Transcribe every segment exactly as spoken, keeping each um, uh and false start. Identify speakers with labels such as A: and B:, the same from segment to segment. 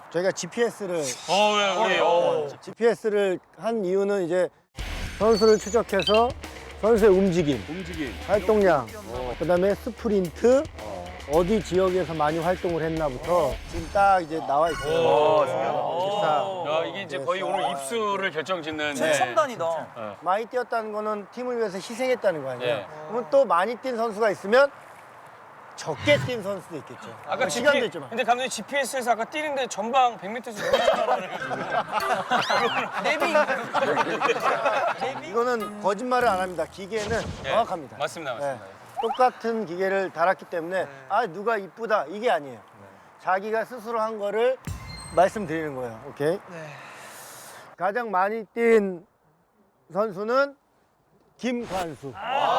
A: 저희가 지피에스를
B: 어, 왜, 우리, 어.
A: 지피에스를 한 이유는 이제 선수를 추적해서 선수의 움직임,
B: 움직임.
A: 활동량, 그다음에 스프린트, 어디 지역에서 많이 활동을 했나부터 지금 딱 이제 나와 있어요.
B: 오,
A: 딱
B: 야, 이게 이제 거의 오늘 입수를 결정짓는. 네.
C: 첨단이다.
A: 많이 뛰었다는 거는 팀을 위해서 희생했다는 거 아니에요?
B: 네.
A: 그러면 또 많이 뛴 선수가 있으면 적게 뛴 선수도 있겠죠.
B: 아까
A: 시간도
B: 지피,
A: 있지만.
B: 근데 감독님 지피에스에서 아까 뛰는데 전방 백 미터에서
C: 내비.
A: 이거는 거짓말을 안 합니다. 기계는
B: 네.
A: 정확합니다.
B: 맞습니다, 맞습니다.
A: 네. 똑같은 기계를 달았기 때문에 아 누가 이쁘다 이게 아니에요. 자기가 스스로 한 거를 말씀드리는 거예요. 오케이. 가장 많이 뛴 선수는 김관수.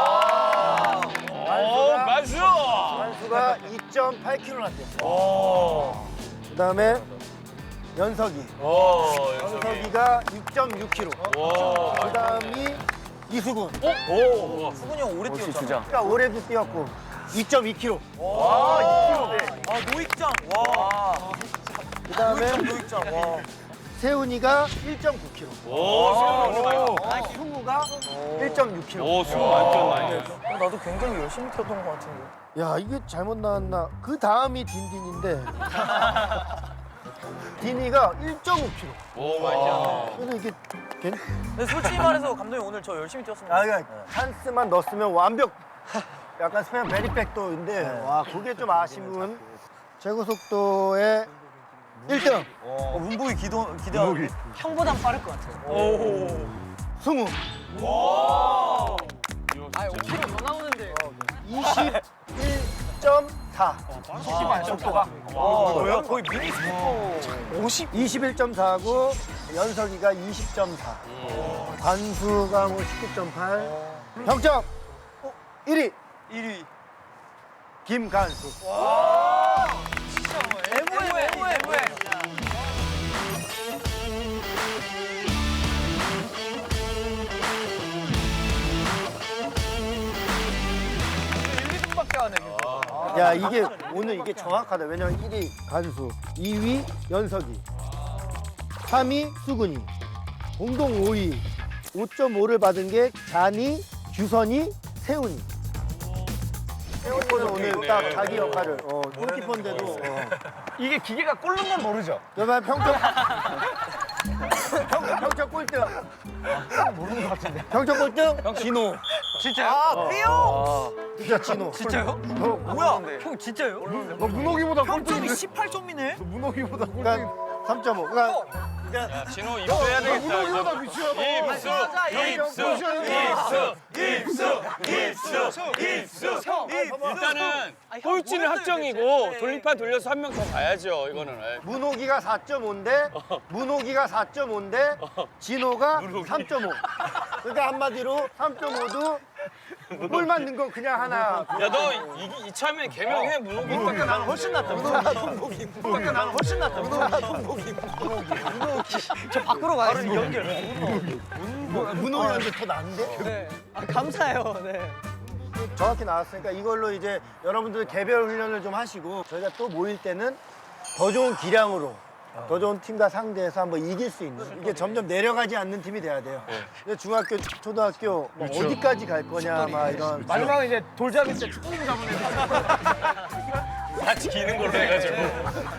B: 오, 만수!
A: 관수가 이 점 팔 킬로미터나 뛰었어요. 그다음에 연석이.
B: 오, 연석이.
A: 연석이가 육 점 육 킬로미터.
B: 오,
A: 그다음이 이수근.
B: 오,
C: 수근이 형 오래 뛰었잖아.
A: 그러니까 올해도 뛰었고 이 점 이 킬로미터.
C: 아, 노익장. 와.
A: 그다음에
C: 노익장. 와.
A: 세훈이가 일 점 구 킬로미터.
B: 오, 수고 많이
A: 아, 승우가 일 점 육 킬로미터.
B: 오, 수고 완전 많이 했어.
C: 어, 나도 굉장히 열심히 뛰었던 것 같은데.
A: 야 이게 잘못 나왔나? 그 다음이 딘딘인데 딘이가 일 점 오 킬로미터.
B: 오, 많이 뛰었네.
A: 그래서 이게 괜...
C: 근데 솔직히 말해서 감독님 오늘 저 열심히 뛰었습니다.
A: 아 그러니까 찬스만 넣었으면 완벽. 약간 스페인 베리백도인데 와 그게 좀 아쉬운. 최고 속도의 일 등
C: 어, 문보기 기도 기대하는데. 형보단 빠를 것 같아요.
B: 오.
A: 승우
C: 아, 오 킬로미터 더 나오는데.
A: 이십일 점 사.
C: 속도가. 와, 뭐야? 거의 미니 스피커. 오십.
A: 이십일 점 사고 연석이가 이십 점 사. 관수가 뭐 십구 점 팔. 평점 일 위
C: 일 위.
A: 김관수.
C: 에모에 에모에 에모에. 일, 이 분밖에 안 해.
A: 야 이게 오늘 이게 정확하다. 왜냐면 일 위 간수, 이 위 연석이, 삼 위 수근이, 공동 오 위 오 점 오를 받은 게 잔이, 규선이, 세훈이. 세훈이는 오늘 딱 자기 역할을 어, 골키퍼인데도 어.
D: 이게 기계가 꼴른 건 모르죠?
A: 그러면 평점 평, 평점 꼴등.
D: 모르는 것 같은데.
A: 평점 꼴등 진호.
D: 진짜요?
C: 아, 삐용!
A: 진짜 진호.
C: 진짜요? 뭐야? 형 진짜요?
D: 너 문호기보다
C: 평점이 십팔 점이네?
D: 문호기보다
A: 그러니까 삼 점 오. 그러니까
B: 야, 진호 입수해야 되겠다.
D: 문호기보다
B: 이거.
D: 미치야.
B: 입수, 입수, 입수, 입수, 입수, 입수. 일단은 꼴찌는 확정이고 돌림판 돌려서 한 명 더 가야죠. 이거는. 에이.
A: 문호기가 사 점 오인데 문호기가 사 점 오인데 진호가 삼 점 오. 그러니까 한마디로 삼 점 오도 골 맞는 거 그냥 하나.
B: 야, 너 이, 이참에 개명해 문호기.
D: 문호기가 나는 훨씬 낫다. 문호기가 나는 훨씬 낫다.
C: 저 밖으로 가야지. 연결.
A: 문호기한테 더 나은데?
C: 네. 아, 감사해요. 네.
A: 정확히 나왔으니까 이걸로 이제 여러분들 개별 훈련을 좀 하시고 저희가 또 모일 때는 더 좋은 기량으로 더 좋은 팀과 상대해서 한번 이길 수 있는 이게 점점 내려가지 않는 팀이 돼야 돼요. 근데 중학교, 초등학교 뭐 어디까지 갈 거냐 막 이런
D: 마지막에 이제 돌잡이 때 축구공 잡은 애들.
B: 같이 기는 걸로 해가지고.